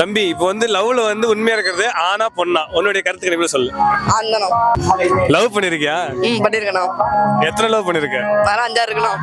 தம்பி இப்போ வந்து லவ்ல வந்து உண்மையா இருக்கிறது ஆனா பொண்ணா உன்னுடைய கருத்துக்களை எப்படி சொல்லு. ஆந்தனம். லவ் பண்ணிருக்கியா? பண்ணிருக்கணும். எத்தனை லவ் பண்ணிருக்க? வேற 5 இருக்கணும்.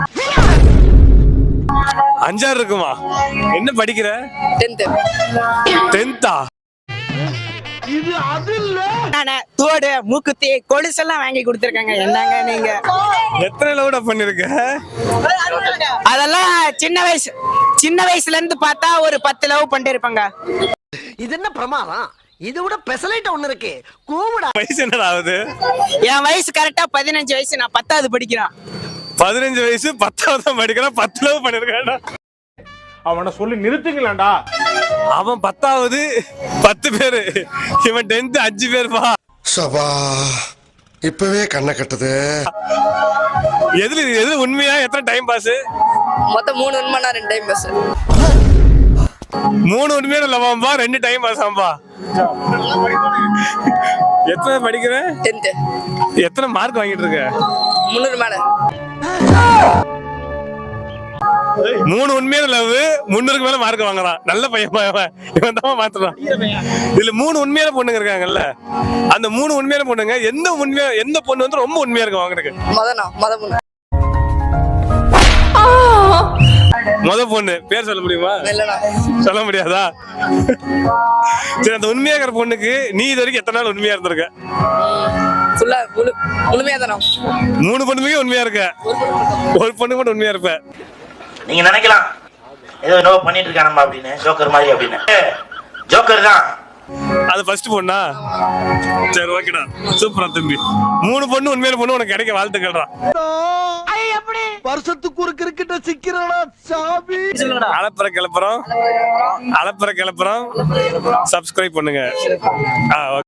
5 இருக்குமா? என்ன படிக்கிற? 10th. 10th-ஆ? இது அது இல்ல. நானே தோடு மூக்குத்தி கொலுசெல்லாம் வாங்கி கொடுத்துருக்காங்க. என்னங்க நீங்க எத்தனை லவ்டா பண்ணிருக்க? அதெல்லாம் சின்ன வயசுல இருந்து பார்த்தா ஒரு 10 லவ் பண்ணிட்டு இருப்பாங்க. இது என்ன பிரமாதம்? இது விட பெசலைட் ஒண்ணு இருக்கு. கூமுடா. வயசு என்னடா ஆகுது? என் வயசு கரெக்டா 15 வயசு. நான் 10வது படிக்கிறேன். 15 வயசு 10வது தான் படிக்கிறான். 10 லவ் பண்ணிருக்கான்டா. அவனை சொல்லி நிறுத்துங்களேன்டா. அவன் 10வது 10 பேரு, இவன் 10th 5 பேருப்பா. சபா இப்பவே கண்ணை கட்டுது. எது உண்மையா? எத்தனை டைம் பாஸ்? மொத்தம் 3 உண்மைனா 2 டைம் பாஸ். 3 உண்மையான லவ்வாம்பா, 2 டைம் பாஸ் ஆம்பா. எத்தனை படிக்கிற? 10th. எத்தனை மார்க் வாங்கிட்டு இருக்க? 300 மேல. 3 உண்மையான லவ், 300க்கு மேல மார்க் வாங்குறான். நல்ல பையன் இவன் தான் மாத்துறான். இதுல 3 உண்மையான பொண்ணுங்க இருக்காங்கல்ல, அந்த 3 உண்மையான பொண்ணுங்க எந்த பொண்ணு வந்து ரொம்ப உண்மையா இருக்கு வாங்குறதுக்கு? மொத பொண்ணு. முத பொண்ணு பேர் சொல்ல முடியுமா? இல்லடா. சொல்ல முடியாதா? சரி, அந்த உண்மையா இருக்கிற பொண்ணுக்கு நீ இது வரைக்கும் எத்தனை நாள் உண்மையா இருந்திருக்க? ஃபுல்லா முழுமையா தானா? 3 பொண்ணுமே உண்மையா இருக்க, ஒரு பொண்ணு மட்டும் உண்மையா இருப்ப. நீங்க நினைக்கலாம் ஏதோ என்னவோ பண்ணிட்டு இருக்கானம்மா அப்படின்னு, ஜோக்கர் மாதிரி அப்படின்னு. ஜோக்கர் தான் அது ஃபர்ஸ்ட் பொண்ணா? சரி, ஓகேடா, சூப்பரா தம்பி. 3 பொண்ணு உண்மையான பொண்ணு உனக்கு கிடைக்க வாழ்த்துக்கள்டா. வருஷத்துக்கு ஒரு கிரிக்கெட்ட சிக்கிறடா சாமி. அளப்புற கிளப்புறோம், சப்ஸ்கிரைப் பண்ணுங்க.